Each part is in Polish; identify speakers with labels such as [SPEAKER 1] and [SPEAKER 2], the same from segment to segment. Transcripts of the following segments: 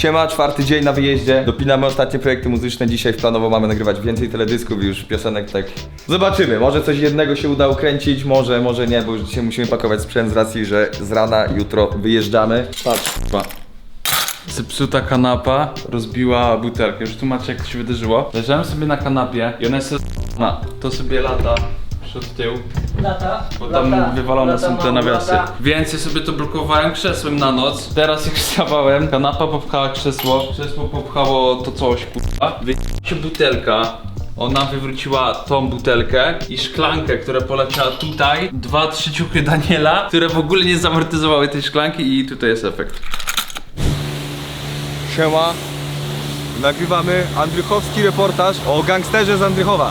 [SPEAKER 1] Siema, 4. dzień na wyjeździe. Dopinamy ostatnie projekty muzyczne. Dzisiaj planowo mamy nagrywać więcej teledysków i już piosenek, tak. Zobaczymy, może coś jednego się uda ukręcić, może nie, bo już dzisiaj musimy pakować sprzęt z racji, że z rana jutro wyjeżdżamy. Patrz.
[SPEAKER 2] Zepsuta kanapa rozbiła butelkę. Już tłumaczę, jak to się wydarzyło. Leżałem sobie na kanapie i ona jest to sobie lata przed tył. Bo tam wywalone są te nawiasy. Więc ja sobie to blokowałem krzesłem na noc. Teraz jak wstawałem, kanapa popchała krzesło popchało to coś, kurwa. Wyjęła się butelka. Ona wywróciła tą butelkę i szklankę, która poleciała tutaj. 2-3 ciuchy Daniela, które w ogóle nie zamortyzowały tej szklanki i tutaj jest efekt.
[SPEAKER 1] Siema. Nagrywamy andrychowski reportaż o gangsterze z Andrychowa.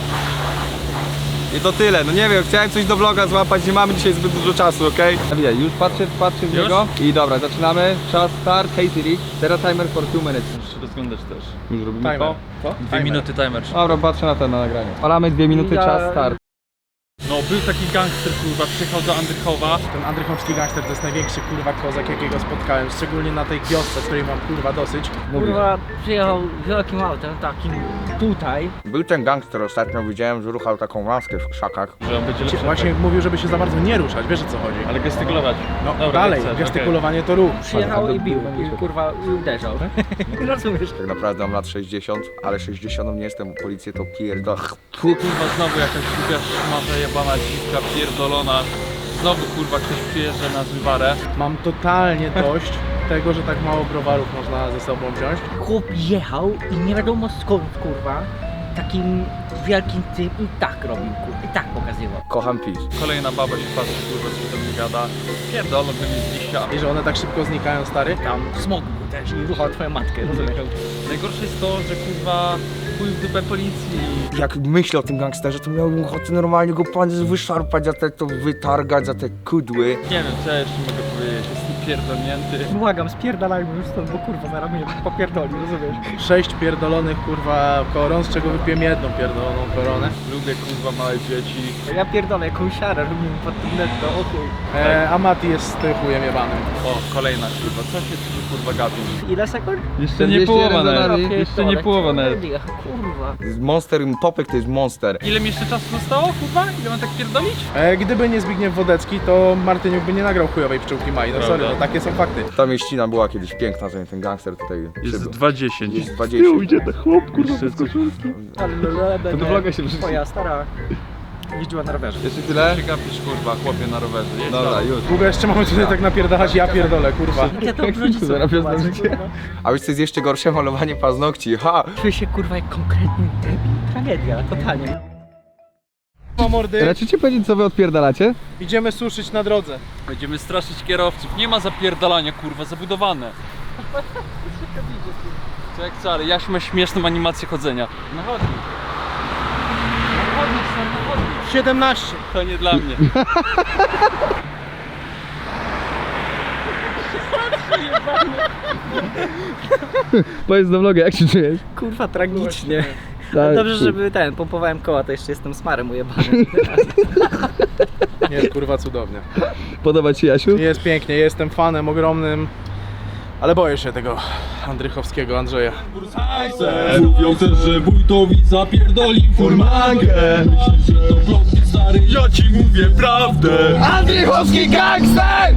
[SPEAKER 1] I to tyle, no nie wiem, chciałem coś do vloga złapać, nie mamy dzisiaj zbyt dużo czasu, okej? Okay? Już patrzę w niego i dobra, zaczynamy. Czas start, hey Siri. Teraz timer for 2 minutes.
[SPEAKER 2] Muszę się rozglądać też.
[SPEAKER 1] Już robimy
[SPEAKER 3] Timer.
[SPEAKER 1] to?
[SPEAKER 3] Co?
[SPEAKER 2] 2 minuty timer.
[SPEAKER 1] Dobra, patrzę na to na nagraniu. Palamy 2 minuty, czas start.
[SPEAKER 3] No był taki gangster, kurwa, przyjechał do Andrychowa. Ten andrychowski gangster to jest największy, kurwa, kozak, jakiego spotkałem. Szczególnie na tej wiosce, z której mam, kurwa, dosyć.
[SPEAKER 4] Kurwa, przyjechał wielkim autem, takim tutaj.
[SPEAKER 5] Był ten gangster ostatnio, widziałem, że ruchał taką laskę w krzakach.
[SPEAKER 2] Że on będzie lepszy.
[SPEAKER 3] Właśnie mówił, żeby się za bardzo nie ruszać, wiesz o co chodzi.
[SPEAKER 2] Ale gestykulować.
[SPEAKER 3] No
[SPEAKER 2] Dobra,
[SPEAKER 3] dalej,
[SPEAKER 2] jak chcesz,
[SPEAKER 3] gestykulowanie to ruch.
[SPEAKER 4] Przyjechał i bił, i kurwa i uderzał. Rozumiesz?
[SPEAKER 5] Tak naprawdę mam lat 60, ale 60 nie jestem, policję to pierdol.
[SPEAKER 2] Kurwa, znowu jakaś głupia szmata jebana dziwka pierdolona. Znowu kurwa ktoś przyjeżdża na zływarę.
[SPEAKER 3] Mam totalnie dość tego, że tak mało browarów można ze sobą wziąć.
[SPEAKER 4] Chłop jechał i nie wiadomo skąd, kurwa, takim wielkim tym i tak robił, kurwa, i tak pokazywał.
[SPEAKER 5] Kocham PiS.
[SPEAKER 2] Kolejna baba się patrzy, kurwa, co tam nie gada. Pierdolą wy mi z liścia.
[SPEAKER 3] I że one tak szybko znikają, stary.
[SPEAKER 4] Tam smog był też i ruchał twoją matkę, rozumiesz?
[SPEAKER 2] Najgorsze jest to, że kurwa chuj w dupę policji.
[SPEAKER 5] Jak myślę o tym gangsterze, to miałbym ochotę normalnie go pan wyszarpać, za te to wytargać, za te kudły.
[SPEAKER 2] Nie wiem, co ja jeszcze mogę powiedzieć. Jestem pierdolnięty.
[SPEAKER 4] Błagam, spierdalajmy już stąd, bo kurwa zaraz mnie popierdoli, rozumiesz?
[SPEAKER 3] 6 pierdolonych, kurwa, koron, z czego wypiłem jedną pierdoloną koronę.
[SPEAKER 2] Lubię kurwa małe dzieci.
[SPEAKER 4] Ja pierdolę jakąś siarę, robimy pod tym netto, o chuj.
[SPEAKER 3] A Mati jest chujem jebanym.
[SPEAKER 2] O, kolejna kurwa. Co się tu kurwa gapi?
[SPEAKER 4] Ile sekund?
[SPEAKER 2] Jeszcze nie połowa nawet.
[SPEAKER 4] Ja
[SPEAKER 2] Jeszcze nie
[SPEAKER 4] pierdolę,
[SPEAKER 2] połowa nawet.
[SPEAKER 4] Kurwa.
[SPEAKER 5] Monster, popek to jest monster.
[SPEAKER 2] Ile mi jeszcze czasu zostało kurwa? Ile mam tak pierdolić?
[SPEAKER 3] Gdyby nie Zbigniew Wodecki, to Martyniuk by nie nagrał chujowej pszczółki Mai. No sorry, no takie są fakty.
[SPEAKER 5] Ta mieścina była kiedyś piękna, zanim ten gangster tutaj
[SPEAKER 2] Jest
[SPEAKER 5] przybył.
[SPEAKER 2] 2,10.
[SPEAKER 5] Jest 20.
[SPEAKER 4] To
[SPEAKER 1] do vloga się wrzuci.
[SPEAKER 4] Twoja stara jeździła na rowerze.
[SPEAKER 1] Jeszcze tyle?
[SPEAKER 2] Się gapisz kurwa, chłopie na rowerze. Jedź
[SPEAKER 1] Dobra,
[SPEAKER 2] dalej.
[SPEAKER 1] już.
[SPEAKER 3] Długo jeszcze mamy tutaj tak napierdalać, ja pierdolę, kurwa.
[SPEAKER 4] Ja to wrzucić sobie.
[SPEAKER 1] Zaraz
[SPEAKER 4] kurwa,
[SPEAKER 1] zdążycie.
[SPEAKER 4] kurwa.
[SPEAKER 5] A wiesz co jest jeszcze gorsze? Malowanie paznokci, ha!
[SPEAKER 4] Czuję się kurwa jak konkretny debil. Tragedia, totalnie.
[SPEAKER 3] Ma mordy,
[SPEAKER 1] Raczycie powiedzieć, co wy odpierdalacie?
[SPEAKER 3] idziemy suszyć na drodze.
[SPEAKER 2] Będziemy straszyć kierowców. Nie ma zapierdalania kurwa, zabudowane. Co jak co, ale Jaś ma śmieszną animację chodzenia. Na chodnik. Na chodnik, stary, na chodnik.
[SPEAKER 3] 17.
[SPEAKER 2] To nie dla mnie.
[SPEAKER 1] Powiedz do vloga, jak się czujesz?
[SPEAKER 4] Kurwa tragicznie.
[SPEAKER 1] Tak,
[SPEAKER 4] Ale dobrze,
[SPEAKER 1] kur-
[SPEAKER 4] żeby pompowałem koła, to jeszcze jestem smarem ujebany.
[SPEAKER 3] Jest kurwa cudownie.
[SPEAKER 1] Podoba ci Jasiu?
[SPEAKER 3] Jest pięknie, jestem fanem ogromnym. Ale boję się tego Andrychowskiego Andrzeja.
[SPEAKER 6] Mówią też, że wójtowi zapierdoli furmankę. Myślisz, że to plotnie stary, ja ci mówię prawdę.
[SPEAKER 1] Andrychowski gangster!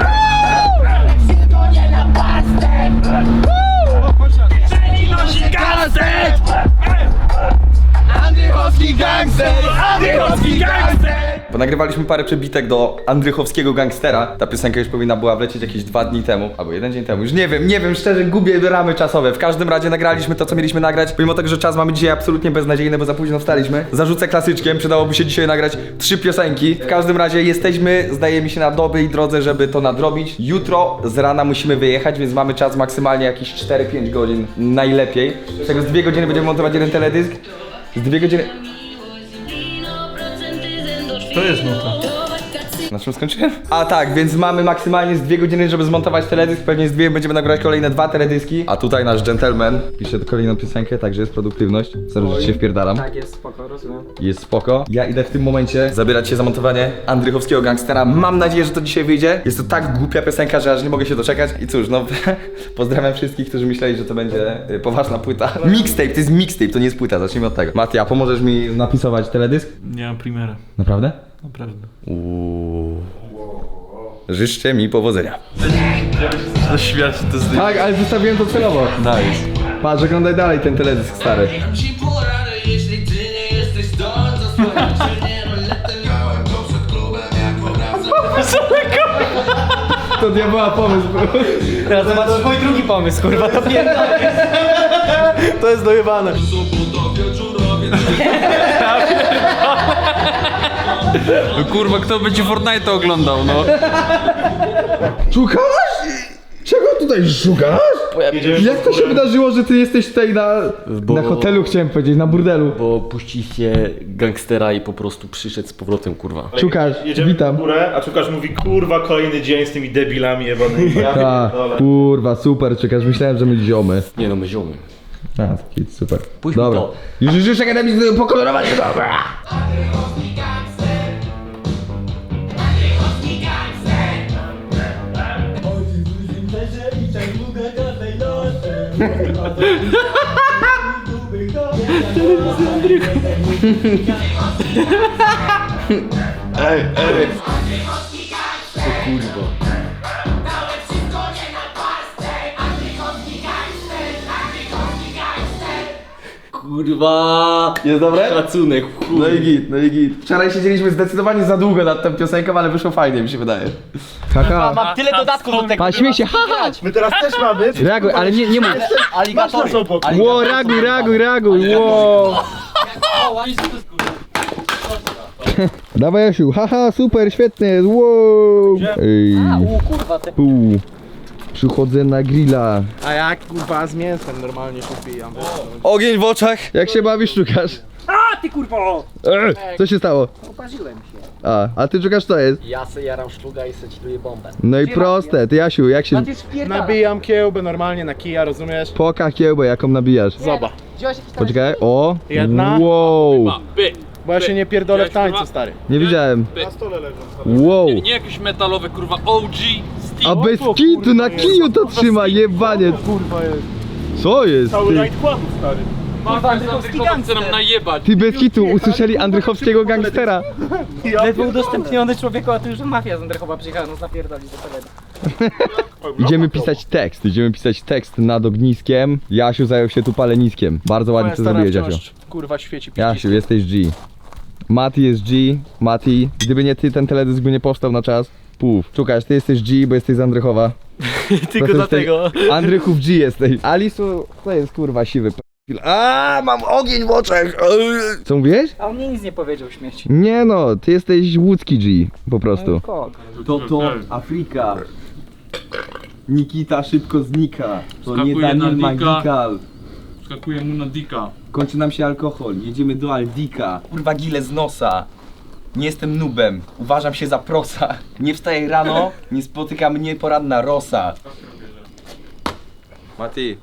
[SPEAKER 1] Andrychowski gangster! Andrychowski gangster! Bo nagrywaliśmy parę przebitek do Andrychowskiego gangstera. Ta piosenka już powinna była wlecieć jakieś 2 dni temu, albo 1 dzień temu. Już nie wiem, szczerze gubię ramy czasowe. W każdym razie nagraliśmy to, co mieliśmy nagrać. Pomimo tego, że czas mamy dzisiaj absolutnie beznadziejny, bo za późno wstaliśmy. Zarzucę klasyczkiem, przydałoby się dzisiaj nagrać 3 piosenki. W każdym razie jesteśmy, zdaje mi się, na dobrej drodze, żeby to nadrobić. Jutro z rana musimy wyjechać, więc mamy czas maksymalnie jakieś 4-5 godzin najlepiej. Z tego z 2 godziny będziemy montować jeden teledysk. Z 2 godziny...
[SPEAKER 2] To jest nuta.
[SPEAKER 1] Na czym skończyłem? A tak, więc mamy maksymalnie z 2 godziny, żeby zmontować teledysk. Pewnie z 2 będziemy nagrywać kolejne 2 teledyski. A tutaj nasz gentleman pisze kolejną piosenkę, także jest produktywność. Sorry, że się wpierdalam.
[SPEAKER 4] Tak, jest spoko, rozumiem.
[SPEAKER 1] Jest spoko. Ja idę w tym momencie zabierać się za montowanie Andrychowskiego Gangstera. Mam nadzieję, że to dzisiaj wyjdzie. Jest to tak głupia piosenka, że aż nie mogę się doczekać. I cóż, no pozdrawiam wszystkich, którzy myśleli, że to będzie poważna płyta. Mixtape, to jest mixtape, to nie jest płyta, zacznijmy od tego. Mati, a pomożesz mi napisować teledysk?
[SPEAKER 2] Nie mam primera.
[SPEAKER 1] Naprawdę?
[SPEAKER 2] Naprawdę.
[SPEAKER 1] Życzcie mi powodzenia.
[SPEAKER 2] Zaśmiać to z
[SPEAKER 1] Tak, ale zostawiłem to celowo.
[SPEAKER 2] Nice.
[SPEAKER 1] Patrz, oglądaj dalej ten teledysk stary.
[SPEAKER 7] Ci poradę, jeśli ty nie jesteś zdolny za swoje czynie, Miałem to przed klubem, jak obraza.
[SPEAKER 1] To diabła pomysł, bro.
[SPEAKER 4] Teraz zobaczysz mój drugi pomysł, kurwa, to pierdolę.
[SPEAKER 3] To jest dojebane.
[SPEAKER 2] No kurwa, kto będzie Fortnite oglądał, no?
[SPEAKER 1] Szukasz? Czego tutaj szukasz? Jak to się wydarzyło, że ty jesteś tutaj na hotelu, chciałem powiedzieć, na burdelu?
[SPEAKER 8] Bo puściliście gangstera i po prostu przyszedł z powrotem, kurwa.
[SPEAKER 1] Szukasz,
[SPEAKER 9] Jedziemy
[SPEAKER 1] witam.
[SPEAKER 9] w górę, a Czukasz mówi, kurwa, kolejny dzień z tymi debilami jebanymi. Ja
[SPEAKER 1] A,
[SPEAKER 9] pierdolę.
[SPEAKER 1] kurwa, super, czekasz, myślałem, że my ziomy.
[SPEAKER 8] Nie no, my ziomy.
[SPEAKER 1] A, taki super.
[SPEAKER 8] Puśćmy
[SPEAKER 1] Dobra.
[SPEAKER 8] to.
[SPEAKER 1] Już czekaj, daj mi pokolorować, dobra.
[SPEAKER 8] Kurwa!
[SPEAKER 1] Jest dobre?
[SPEAKER 8] Szacunek, chuj.
[SPEAKER 1] No i git, no i git. Wczoraj siedzieliśmy zdecydowanie za długo nad tą piosenką, ale wyszło fajnie, mi się wydaje. Haha.
[SPEAKER 4] Mam tyle dodatków do tego.
[SPEAKER 1] Pa, śmiej się, haha!
[SPEAKER 9] My teraz też mamy.
[SPEAKER 1] Reaguj, ale nie mów.
[SPEAKER 9] Masz obok.
[SPEAKER 1] Ło, reaguj, ło. Dawaj Jasiu, haha, super, świetnie jest, wow. Ej,
[SPEAKER 4] Kurwa, te...
[SPEAKER 1] przychodzę na grilla.
[SPEAKER 3] A jak kurwa z mięsem normalnie się wbijam.
[SPEAKER 1] Ogień w oczach. Jak się bawisz, szukasz?
[SPEAKER 4] A ty kurwo!
[SPEAKER 1] Co się stało?
[SPEAKER 4] Oparzyłem się.
[SPEAKER 1] A ty szukasz co jest?
[SPEAKER 8] Ja se jaram szluga i se chilluję bombę.
[SPEAKER 1] No i proste, ty Jasiu, jak się...
[SPEAKER 4] Ty spierdala.
[SPEAKER 3] Nabijam kiełbę normalnie na kija, rozumiesz?
[SPEAKER 1] Poka kiełbę, jaką nabijasz.
[SPEAKER 3] Zobacz.
[SPEAKER 4] Wziąłeś jakiś tam...
[SPEAKER 1] Poczekaj, o!
[SPEAKER 3] Jedna.
[SPEAKER 1] Wow!
[SPEAKER 3] Bo ja się nie pierdolę w tańcu, stary.
[SPEAKER 1] Nie widziałem.
[SPEAKER 9] Na stole leżą.
[SPEAKER 1] Wow!
[SPEAKER 2] Nie jakieś metalowe, kurwa, OG
[SPEAKER 1] A bez kitu na kiju to trzyma, jebaniec!
[SPEAKER 3] Kurwa jest.
[SPEAKER 1] Co jest?
[SPEAKER 9] Cały
[SPEAKER 1] Ty,
[SPEAKER 9] night kładu, stary.
[SPEAKER 2] chce nam najebać.
[SPEAKER 1] ty bez kitu usłyszeli Andrychowskiego Gangstera.
[SPEAKER 4] Ledwo udostępniony człowieku, a tu już mafia z Andrychowa przyjechała nas napierdolić do terenu.
[SPEAKER 1] Idziemy pisać tekst nad ogniskiem. Jasiu zajął się tu paleniskiem. Bardzo ładnie
[SPEAKER 3] Moja
[SPEAKER 1] to
[SPEAKER 3] stara
[SPEAKER 1] zrobiłeś, Jasiu.
[SPEAKER 3] wciąż, kurwa świeci
[SPEAKER 1] Jasiu,
[SPEAKER 3] przycisk.
[SPEAKER 1] jesteś G. Mati jest G. Mati, gdyby nie ty, ten teledysk by nie powstał na czas. Puf. Szukasz, ty jesteś G, bo jesteś z Andrychowa.
[SPEAKER 8] Tylko dlatego.
[SPEAKER 1] Andrychów G jesteś. Alisu, to jest kurwa siwy p***il. A, mam ogień w oczach. Co mówiłeś?
[SPEAKER 4] A on mnie nic nie powiedział, śmieci.
[SPEAKER 1] Nie no, ty jesteś łódzki G, po prostu.
[SPEAKER 8] To Afryka.
[SPEAKER 1] Nikita szybko znika. To
[SPEAKER 2] Skakuje
[SPEAKER 1] nie
[SPEAKER 2] na
[SPEAKER 1] Daniel
[SPEAKER 2] dika.
[SPEAKER 1] Magical.
[SPEAKER 2] Skakuje mu na dika.
[SPEAKER 1] Kończy nam się alkohol, jedziemy do Aldika. Kurwa gile z nosa. Nie jestem nubem, uważam się za prosa. Nie wstaję rano, nie spotyka mnie poranna rosa. Mati.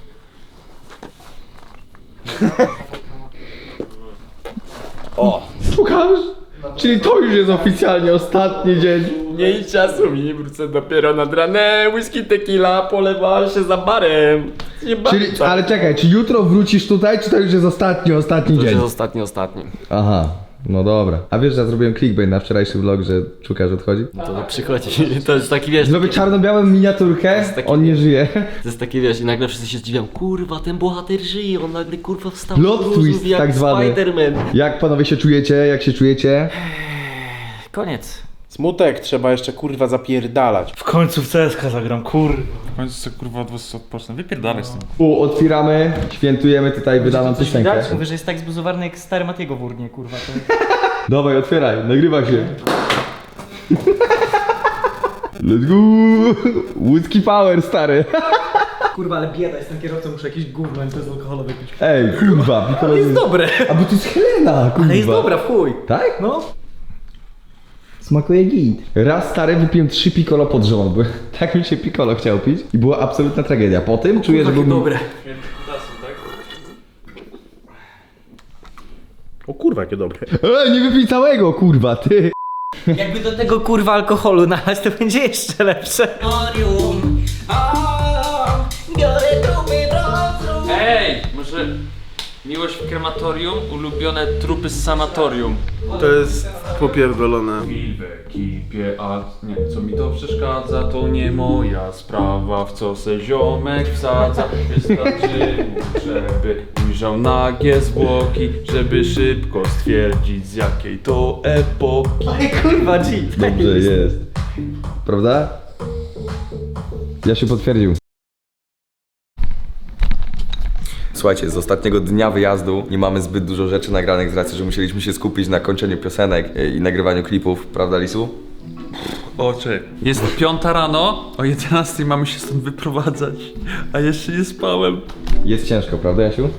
[SPEAKER 1] O! Szukasz? Czyli to już jest oficjalnie ostatni dzień.
[SPEAKER 8] Mniej czasu mi, wrócę dopiero nad ranem. Whisky, tequila, polewa się za barem.
[SPEAKER 1] Czyli, ale czekaj, czy jutro wrócisz tutaj, czy to już jest ostatni
[SPEAKER 8] To
[SPEAKER 1] dzień?
[SPEAKER 8] jest ostatni.
[SPEAKER 1] Aha, no dobra. A wiesz, że ja zrobiłem clickbait na wczorajszy vlog, że Czukasz odchodzi?
[SPEAKER 8] To przychodzi. To jest taki, wiesz,
[SPEAKER 1] Zrobię czarno-białą miniaturkę,
[SPEAKER 8] taki-
[SPEAKER 1] on nie żyje.
[SPEAKER 8] to jest takie, wiesz, i nagle wszyscy się zdziwią. Kurwa, ten bohater żyje, on nagle kurwa wstał
[SPEAKER 1] Plot
[SPEAKER 8] z gruzów
[SPEAKER 1] twist
[SPEAKER 8] jak
[SPEAKER 1] tak zwany.
[SPEAKER 8] Spider-Man.
[SPEAKER 1] Jak panowie się czujecie? Jak się czujecie?
[SPEAKER 4] Koniec.
[SPEAKER 3] Smutek, trzeba jeszcze kurwa zapierdalać.
[SPEAKER 9] W końcu w CSK zagram, kurwa.
[SPEAKER 2] W końcu sobie kurwa od was odpocznę. Wypierdalaj z tym.
[SPEAKER 1] Otwieramy, świętujemy tutaj wydaną piosenkę.
[SPEAKER 4] Mówię, że jest tak zbuzowany jak stary Matiego w urnie, kurwa. To...
[SPEAKER 1] Dawaj, otwieraj, nagrywa się. Let's go! Łódzki power, stary.
[SPEAKER 4] Kurwa, ale bieda, jestem kierowcą, muszę jakieś gówno bezalkoholowe pić.
[SPEAKER 1] Ej, kurwa,
[SPEAKER 4] Ale jest dobre.
[SPEAKER 1] A bo to jest Helena, kurwa.
[SPEAKER 4] Ale jest dobra, w chuj.
[SPEAKER 1] Tak?
[SPEAKER 4] No.
[SPEAKER 1] Smakuje git. Raz stary wypiłem 3 piccolo pod rząd, bo tak mi się piccolo chciał pić i była absolutna tragedia. Po tym czuję, że był...
[SPEAKER 4] Dobre.
[SPEAKER 9] O kurwa, jakie dobre.
[SPEAKER 1] nie wypij całego, kurwa, ty!
[SPEAKER 4] Jakby do tego kurwa alkoholu nalać, to będzie jeszcze lepsze.
[SPEAKER 2] Ej, może miłość w krematorium, ulubione trupy z sanatorium.
[SPEAKER 6] To jest popierdolone.
[SPEAKER 2] I w ekipie, a nie, co mi to przeszkadza, to nie moja sprawa, w co se ziomek wsadza. Wystarczy mu, żeby ujrzał nagie zwłoki, żeby szybko stwierdzić, z jakiej to epoki.
[SPEAKER 4] Ej kurwa, G.
[SPEAKER 1] Dobrze jest. Prawda? Ja się potwierdził. Słuchajcie, z ostatniego dnia wyjazdu nie mamy zbyt dużo rzeczy nagranych z racji, że musieliśmy się skupić na kończeniu piosenek i nagrywaniu klipów, prawda Lisu?
[SPEAKER 2] Oczy. Jest 5 rano, o 11 mamy się stąd wyprowadzać, a jeszcze nie spałem.
[SPEAKER 1] Jest ciężko, prawda Jasiu?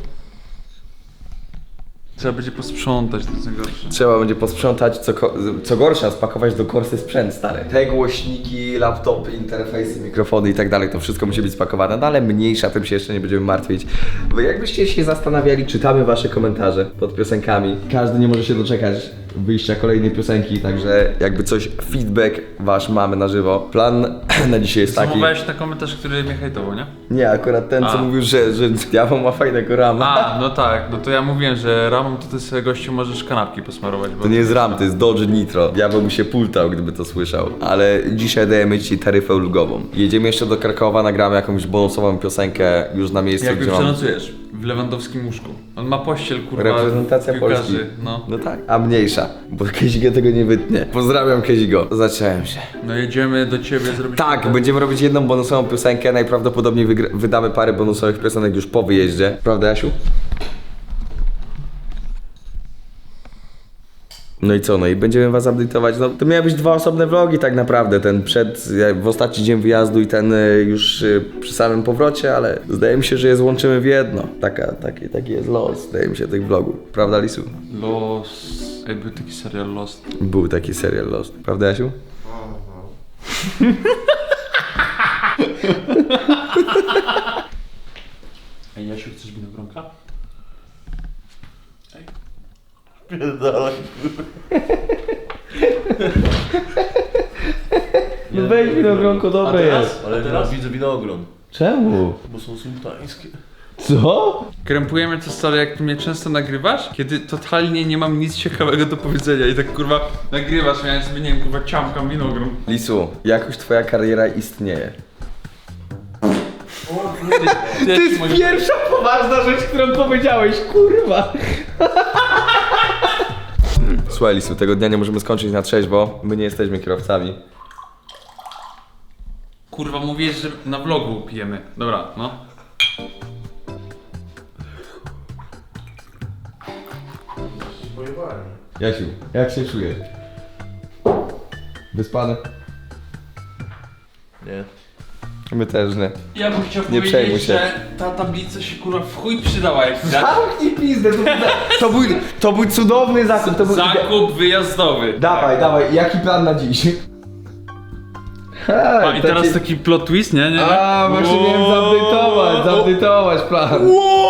[SPEAKER 2] Trzeba będzie posprzątać, to jest najgorsze.
[SPEAKER 1] Trzeba będzie posprzątać, co gorsza, spakować do korsy sprzęt stary. Te głośniki, laptopy, interfejsy, mikrofony i tak dalej, to wszystko musi być spakowane, no ale mniejsza, tym się jeszcze nie będziemy martwić. Bo jakbyście się zastanawiali, czytamy wasze komentarze pod piosenkami. Każdy nie może się doczekać wyjścia kolejnej piosenki, także jakby coś, feedback wasz mamy na żywo. Plan na dzisiaj jest taki...
[SPEAKER 2] Zamówiłeś na komentarz, który mnie hejtował, nie?
[SPEAKER 1] Nie, akurat ten, co
[SPEAKER 2] A.
[SPEAKER 1] mówił, że diabeł ma fajnego rama.
[SPEAKER 2] A, no tak, no to ja mówiłem, że ramą to ty sobie gościu możesz kanapki posmarować. Bo
[SPEAKER 1] To nie jest RAM, to jest Dodge Nitro. Diabeł by się pultał, gdyby to słyszał. Ale dzisiaj dajemy ci taryfę ulgową. Jedziemy jeszcze do Krakowa, nagramy jakąś bonusową piosenkę już na miejscu,
[SPEAKER 2] Jak
[SPEAKER 1] gdzie
[SPEAKER 2] już
[SPEAKER 1] mam...
[SPEAKER 2] przenocujesz? W lewandowskim łóżku. On ma pościel, kurwa,
[SPEAKER 1] Reprezentacja
[SPEAKER 2] piłkarzy,
[SPEAKER 1] Polski.
[SPEAKER 2] no.
[SPEAKER 1] No tak, a mniejsza, bo Kezigo tego nie wytnie. Pozdrawiam Kezigo. Zacząłem się.
[SPEAKER 2] No jedziemy do ciebie zrobić...
[SPEAKER 1] Tak, będziemy robić jedną bonusową piosenkę, najprawdopodobniej wydamy parę bonusowych piosenek już po wyjeździe. Prawda Jasiu? No i co, no i będziemy was update'ować, no to miały być 2 osobne vlogi tak naprawdę, ten w ostatni dzień wyjazdu i ten już przy samym powrocie, ale zdaje mi się, że je złączymy w jedno. Taki jest los, zdaje mi się, tych vlogów. Prawda Lisu?
[SPEAKER 2] Los... Ej, był taki serial Lost.
[SPEAKER 1] Był taki serial Lost. Prawda Jasiu?
[SPEAKER 2] Ej, Jasiu, chcesz winogronka?
[SPEAKER 9] Pierdolę.
[SPEAKER 1] No weź winogronko, dobre jest.
[SPEAKER 9] Ale teraz widzę winogron,
[SPEAKER 1] Czemu?
[SPEAKER 9] bo są sultańskie.
[SPEAKER 1] Co?
[SPEAKER 2] Krępujemy to stale, jak ty mnie często nagrywasz, kiedy totalnie nie mam nic ciekawego do powiedzenia i tak kurwa nagrywasz, ja sobie nie wiem, kurwa ciamkam winogron.
[SPEAKER 1] Lisu, jakoś twoja kariera istnieje.
[SPEAKER 2] To jest
[SPEAKER 1] Pierwsza poważna rzecz, którą powiedziałeś, kurwa. Słuchaj Lisu, tego dnia nie możemy skończyć na trzeźwo, my nie jesteśmy kierowcami.
[SPEAKER 2] Kurwa, mówisz, że na vlogu pijemy. Dobra, no.
[SPEAKER 1] Jasiu, jak się czujesz? Wyspany?
[SPEAKER 9] Nie.
[SPEAKER 1] My też nie.
[SPEAKER 2] Ja bym chciał
[SPEAKER 1] Nie przejmuj
[SPEAKER 2] powiedzieć,
[SPEAKER 1] się.
[SPEAKER 2] że ta tablica się kurwa w chuj przydała jak widać.
[SPEAKER 1] Zamknij pizdę, to był cudowny zakup, to był...
[SPEAKER 2] Zakup wyjazdowy.
[SPEAKER 1] Dawaj, jaki plan na dziś?
[SPEAKER 2] A i teraz taki plot twist, nie?
[SPEAKER 1] A, właśnie miałem zaupdate'ować plan.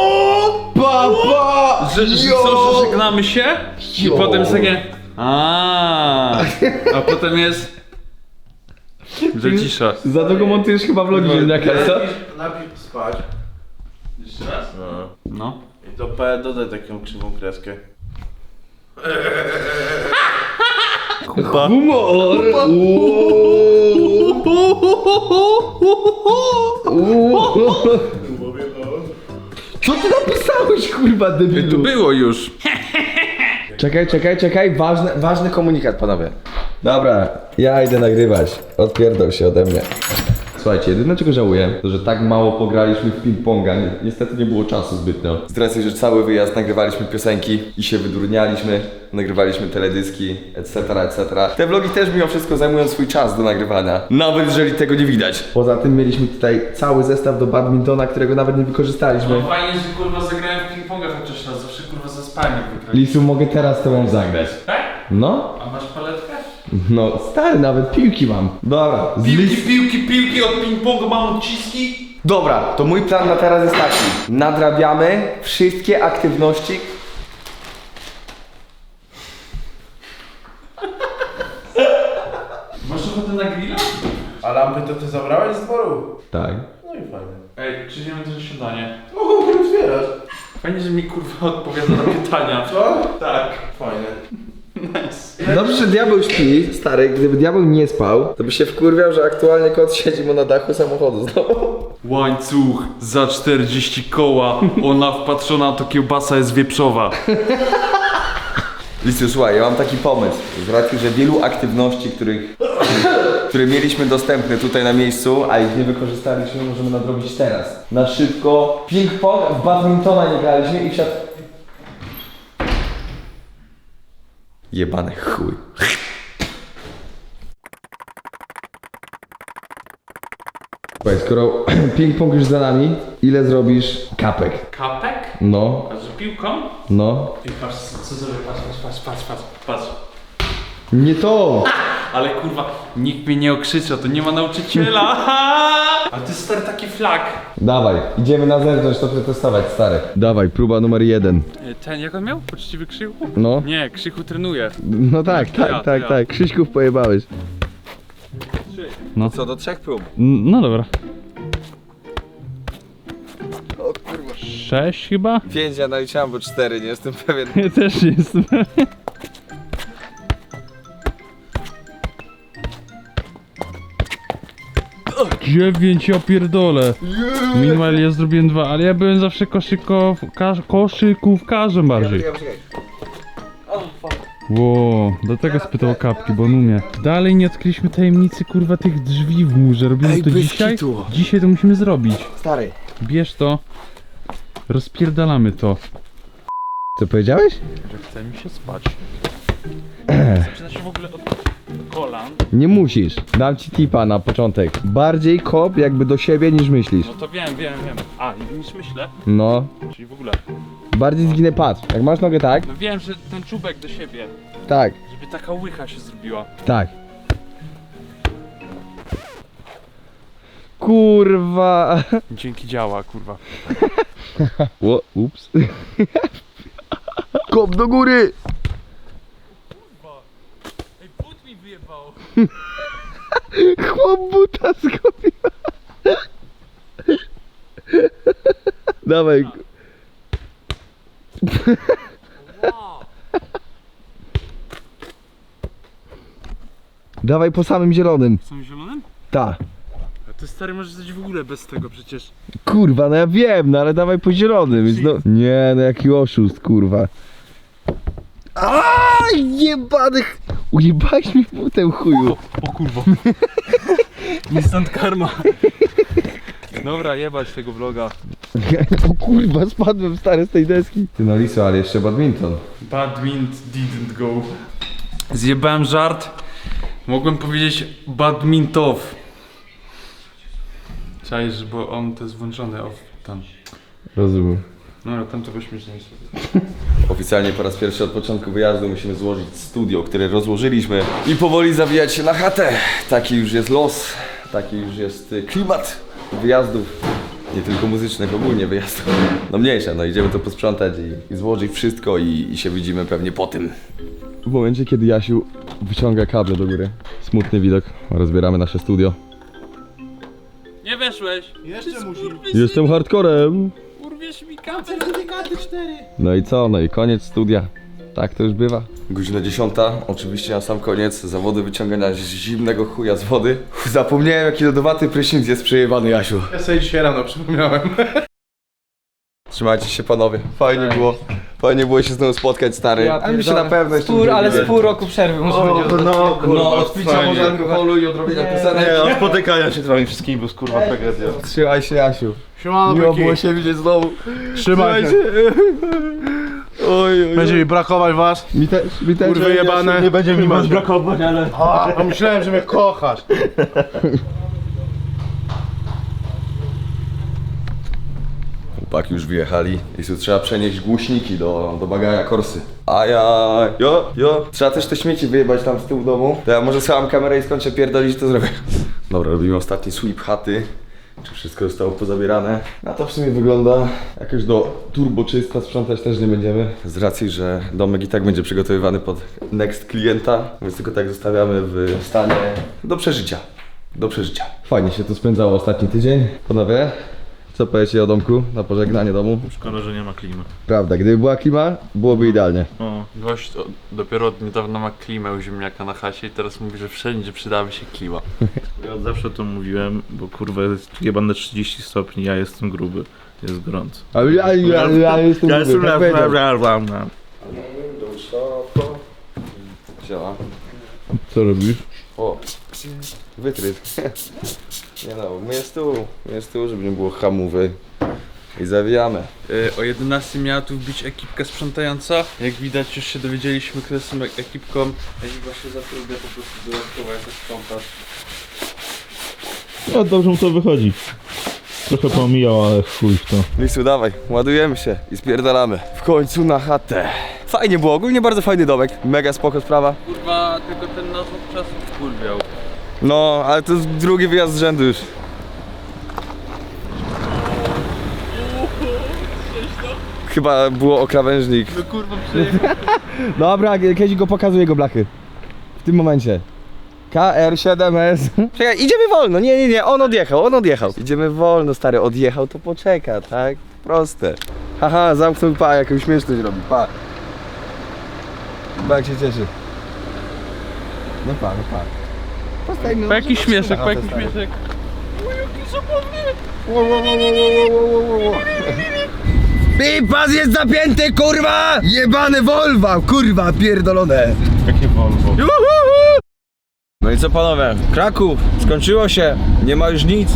[SPEAKER 2] Że co, że żegnamy się? I potem jest takie... A potem jest... Że cisza.
[SPEAKER 1] Za długo montujesz chyba vlogi ziemniaka, co?
[SPEAKER 9] Najpierw spać.
[SPEAKER 2] Jeszcze raz?
[SPEAKER 9] No.
[SPEAKER 2] No.
[SPEAKER 9] I to P dodaj taką krzywą kreskę.
[SPEAKER 1] Humor! Co ty napisałeś, kurwa, debilu?
[SPEAKER 2] Tu było już.
[SPEAKER 1] Czekaj, ważny komunikat, panowie. Dobra, ja idę nagrywać. Odpierdol się ode mnie. Słuchajcie, jedyne czego żałuję, to że tak mało pograliśmy w ping-ponga. Niestety nie było czasu zbytnio. Z racji, że cały wyjazd nagrywaliśmy piosenki i się wydurnialiśmy, nagrywaliśmy teledyski, etc., etc. Te vlogi też mimo wszystko zajmują swój czas do nagrywania, nawet jeżeli tego nie widać. Poza tym mieliśmy tutaj cały zestaw do badmintona, którego nawet nie wykorzystaliśmy.
[SPEAKER 2] No fajnie, że kurwa zagrałem w ping-ponga chociaż raz, zawsze kurwa zaspałem jak wygrałem.
[SPEAKER 1] Lisu, mogę teraz tobą zagrać.
[SPEAKER 2] Tak?
[SPEAKER 1] No?
[SPEAKER 2] A masz paletkę?
[SPEAKER 1] No stary, nawet piłki mam. Dobra,
[SPEAKER 2] Piłki od ping-pongu mam odciski.
[SPEAKER 1] Dobra, to mój plan na teraz jest taki. Nadrabiamy wszystkie aktywności.
[SPEAKER 2] Masz ochotę na grilla?
[SPEAKER 3] A lampy to ty zabrałeś z dworu?
[SPEAKER 1] Tak.
[SPEAKER 3] No i fajnie.
[SPEAKER 2] Ej, przyjdziemy też na śniadanie.
[SPEAKER 3] O, nie otwierasz.
[SPEAKER 2] Fajnie, że mi kurwa odpowiada na pytania.
[SPEAKER 3] Co?
[SPEAKER 2] Tak.
[SPEAKER 3] Fajne.
[SPEAKER 2] Nice.
[SPEAKER 1] Dobrze, że diabeł śpi, stary. Gdyby diabeł nie spał, to by się wkurwiał, że aktualnie kot siedzi mu na dachu samochodu znowu.
[SPEAKER 2] Łańcuch za 40 koła. Ona wpatrzona, to kiełbasa jest wieprzowa.
[SPEAKER 1] Listu, słuchaj, ja mam taki pomysł. Z racji, że wielu aktywności, które mieliśmy dostępne tutaj na miejscu, a ich nie wykorzystaliśmy, możemy nadrobić teraz. Na szybko. Ping-pong, w badmintona nie graliśmy i wsiadł... Jebany chuj. Słuchaj, skoro ping-pong już za nami, ile zrobisz kapek?
[SPEAKER 2] Kapek?
[SPEAKER 1] No,
[SPEAKER 2] A że piłką?
[SPEAKER 1] no.
[SPEAKER 2] I patrz, co zrobię, patrz.
[SPEAKER 1] Nie to!
[SPEAKER 2] Ale kurwa, nikt mnie nie okrzycza, to nie ma nauczyciela. A ty stary taki flag.
[SPEAKER 1] Dawaj, idziemy na zewnątrz to przetestować, stary. Dawaj, próba numer 1.
[SPEAKER 2] Ten, jak on miał? Poczciwy Krzychu?
[SPEAKER 1] No.
[SPEAKER 2] Nie, Krzychu trenuje.
[SPEAKER 1] No tak,
[SPEAKER 2] To ja.
[SPEAKER 1] Krzyśków pojebałeś.
[SPEAKER 2] No.
[SPEAKER 1] Co, do 3 prób?
[SPEAKER 2] No dobra.
[SPEAKER 1] O kurwa.
[SPEAKER 2] 6 chyba?
[SPEAKER 1] 5 ja naliczyłem, bo 4, nie jestem pewien.
[SPEAKER 2] Ja też nie jestem pewien. Dziewięć, ja pierdolę. Minimal ja zrobiłem 2, ale ja byłem zawsze koszykówkarzem bardziej. Ło, dlatego spytał o kapki, bo on umie. Dalej nie odkryliśmy tajemnicy kurwa tych drzwi w murze. Robimy to dzisiaj? Dzisiaj to musimy zrobić.
[SPEAKER 1] Stary.
[SPEAKER 2] Bierz to. Rozpierdalamy to.
[SPEAKER 1] Co powiedziałeś?
[SPEAKER 2] Że chce mi się spać. Zaczyna się w ogóle od kolan.
[SPEAKER 1] Nie musisz. Dam ci tipa na początek. Bardziej kop jakby do siebie niż myślisz.
[SPEAKER 2] No to wiem. A, niż myślę.
[SPEAKER 1] No.
[SPEAKER 2] Czyli w ogóle.
[SPEAKER 1] Bardziej zginę, patrz. Jak masz nogę tak?
[SPEAKER 2] No wiem, że ten czubek do siebie.
[SPEAKER 1] Tak.
[SPEAKER 2] Żeby taka łycha się zrobiła.
[SPEAKER 1] Tak. Kurwa.
[SPEAKER 2] Dzięki działa, kurwa.
[SPEAKER 1] O, ups. Kop do góry.
[SPEAKER 2] Ej, but mi wyjebał.
[SPEAKER 1] Chłop buta zgubił. Dawaj. Dawaj po samym zielonym.
[SPEAKER 2] Są zielonym?
[SPEAKER 1] Ta.
[SPEAKER 2] A ty stary możesz być w ogóle bez tego przecież.
[SPEAKER 1] Kurwa, no ja wiem, no ale dawaj po zielonym. Więc no... Nie, no jaki oszust, kurwa. Aaaa, jebanych. Ujebałeś mi butem, chuju.
[SPEAKER 2] O kurwa. Nie stąd karma. Dobra, jebać tego vloga.
[SPEAKER 1] O kurwa, spadłem stary z tej deski. Ty no Liso, ale jeszcze badminton.
[SPEAKER 2] Badmint didn't go. Zjebałem żart. Mogłem powiedzieć badmintow. Czaisz, bo on to jest włączony off tam.
[SPEAKER 1] Rozumiem.
[SPEAKER 2] No, tam to byśmy się nie sobie.
[SPEAKER 1] Oficjalnie po raz pierwszy od początku wyjazdu musimy złożyć studio, które rozłożyliśmy i powoli zawijać się na chatę. Taki już jest los, taki już jest klimat wyjazdów. Nie tylko muzycznych, ogólnie wyjazdów. No mniejsze, no idziemy to posprzątać i złożyć wszystko i się widzimy pewnie po tym. W momencie, kiedy Jasiu wyciąga kable do góry. Smutny widok. Rozbieramy nasze studio.
[SPEAKER 2] Nie weszłeś!
[SPEAKER 3] Jeszcze musi.
[SPEAKER 1] Jestem hardcorem.
[SPEAKER 2] Urwiesz mi kabel!
[SPEAKER 3] Certyfikaty 4.
[SPEAKER 1] No i co? No i koniec studia. Tak to już bywa. Godzina 10. Oczywiście na sam koniec zawody wyciągania zimnego chuja z wody. Zapomniałem, jaki lodowaty prysznic jest przejebany, Jasiu.
[SPEAKER 3] Ja sobie dzisiaj rano przypomniałem.
[SPEAKER 1] Trzymajcie się, panowie. Fajnie było. Fajnie było się znowu spotkać, stary. Ale mi się na pewno jeszcze
[SPEAKER 4] Ale z pół roku przerwy muszę być.
[SPEAKER 1] No, od picia może alkoholu i odrobienia piosenek.
[SPEAKER 9] Nie, od spotykania się z wami wszystkimi, bo kurwa tragedia.
[SPEAKER 1] Trzymaj się, Jasiu.
[SPEAKER 3] Siemano,
[SPEAKER 1] Miło
[SPEAKER 3] byki.
[SPEAKER 1] było się widzieć znowu.
[SPEAKER 3] Trzymaj się.
[SPEAKER 1] Oj.
[SPEAKER 3] Będzie mi brakować was.
[SPEAKER 1] Mi też,
[SPEAKER 3] Kurwy jebane.
[SPEAKER 9] Nie będzie mi was brakować, ale...
[SPEAKER 3] A myślałem, że mnie kochasz.
[SPEAKER 1] Chłopaki już wyjechali i tu trzeba przenieść głośniki do bagaja Korsy. Ajaj. Jo. Trzeba też te śmieci wyjebać tam z tyłu domu. To ja może schowam kamerę i skończę pierdolić, to zrobię. Dobra, robimy ostatni sweep chaty. Czy wszystko zostało pozabierane? Na to w sumie wygląda jakoś do turbo czysta, sprzątać też nie będziemy. Z racji, że domek i tak będzie przygotowywany pod next klienta, więc tylko tak zostawiamy w stanie do przeżycia. Do przeżycia. Fajnie się tu spędzało ostatni tydzień. Panowie, co powiecie o domku na pożegnanie domu?
[SPEAKER 9] Szkoda, że nie ma klimy.
[SPEAKER 1] Prawda, gdyby była klima, byłoby idealnie.
[SPEAKER 9] O.
[SPEAKER 2] Gość dopiero od niedawna ma klimę u ziemniaka na chacie i teraz mówi, że wszędzie przydałaby się klima.
[SPEAKER 9] Ja od zawsze to mówiłem, bo kurwa jest jebane 30 stopni, ja jestem gruby. Jest gorąco.
[SPEAKER 1] Ale ja jestem
[SPEAKER 9] Ja jestem
[SPEAKER 1] Siema.
[SPEAKER 9] Co robisz?
[SPEAKER 1] O, wytryt. Nie no, my z tyłu, żeby nie było hamowy. I zawijamy.
[SPEAKER 2] O 11 miała tu wbić ekipka sprzątająca. Jak widać już się dowiedzieliśmy, kto są ekipką. Ekipa się zatrudnia po prostu dodatkowo jako sprzątacz.
[SPEAKER 9] No dobrze mu to wychodzi. Trochę pomijał, ale chuj w to.
[SPEAKER 1] Lisu, dawaj, ładujemy się i spierdalamy. W końcu na chatę. Fajnie było, ogólnie bardzo fajny domek. Mega spoko sprawa.
[SPEAKER 2] Kurwa, tylko ten nas od czasu wkurwiał.
[SPEAKER 1] No, ale to jest drugi wyjazd z rzędu już. Chyba było o krawężnik.
[SPEAKER 2] No kurwa, przejechał.
[SPEAKER 1] Dobra, kiedyś go pokazuję jego blachy. W tym momencie. KR7S. Czekaj, idziemy wolno. Nie, on odjechał. Idziemy wolno, stary, odjechał, to poczeka, tak? Proste. Haha, zamknął, pa, jakąś śmieszność robi, pa. Pa, jak się cieszy. No pa. Postajmy.
[SPEAKER 2] Po jakiś śmieszek.
[SPEAKER 1] Pas jest zapięty, kurwa! Jebane Volvo, kurwa, pierdolone.
[SPEAKER 9] Jakie Volvo?
[SPEAKER 1] No i co panowie? Kraków, skończyło się, nie ma już nic.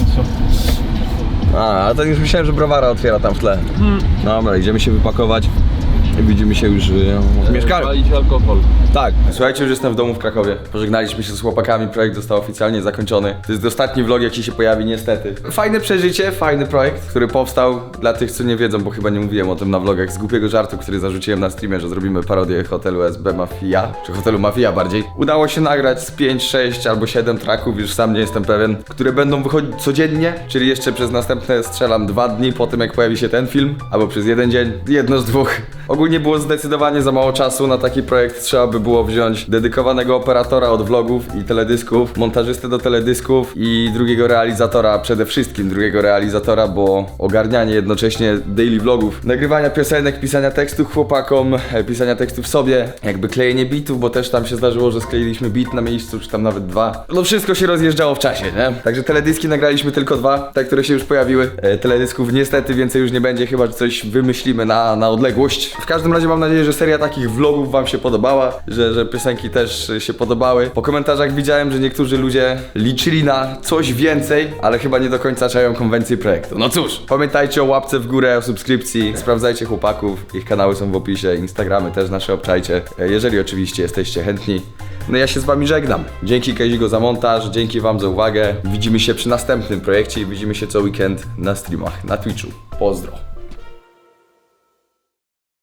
[SPEAKER 1] A to już myślałem, że browara otwiera tam w tle. Dobra, idziemy się wypakować i widzimy się już w mieszkaniu.
[SPEAKER 2] Palić alkohol.
[SPEAKER 1] Tak. Słuchajcie, już jestem w domu w Krakowie. Pożegnaliśmy się z chłopakami, projekt został oficjalnie zakończony. To jest ostatni vlog, jaki się pojawi niestety. Fajne przeżycie, fajny projekt, który powstał dla tych, co nie wiedzą, bo chyba nie mówiłem o tym na vlogach, z głupiego żartu, który zarzuciłem na streamie, że zrobimy parodię hotelu SB Mafia, czy hotelu Mafia bardziej. Udało się nagrać z 5, 6 albo 7 tracków, już sam nie jestem pewien, które będą wychodzić codziennie, czyli jeszcze przez następne strzelam 2 dni po tym, jak pojawi się ten film, albo przez 1 dzień, jedno z dwóch. Ogólnie było zdecydowanie za mało czasu na taki projekt, trzeba by było wziąć dedykowanego operatora od vlogów i teledysków, montażystę do teledysków i drugiego realizatora, przede wszystkim drugiego realizatora, bo ogarnianie jednocześnie daily vlogów, nagrywania piosenek, pisania tekstów chłopakom, pisania tekstów sobie, jakby klejenie bitów, bo też tam się zdarzyło, że skleiliśmy bit na miejscu, czy tam nawet 2. No wszystko się rozjeżdżało w czasie, nie? Także teledyski nagraliśmy tylko 2, te, które się już pojawiły. Teledysków niestety więcej już nie będzie, chyba że coś wymyślimy na odległość. W każdym razie mam nadzieję, że seria takich vlogów wam się podobała, że piosenki też się podobały. Po komentarzach widziałem, że niektórzy ludzie liczyli na coś więcej, ale chyba nie do końca czają konwencję projektu. No cóż, pamiętajcie o łapce w górę, o subskrypcji, sprawdzajcie chłopaków, ich kanały są w opisie, Instagramy też nasze obczajcie, jeżeli oczywiście jesteście chętni. No ja się z wami żegnam. Dzięki Kazigo za montaż, dzięki wam za uwagę. Widzimy się przy następnym projekcie i widzimy się co weekend na streamach, na Twitchu. Pozdro.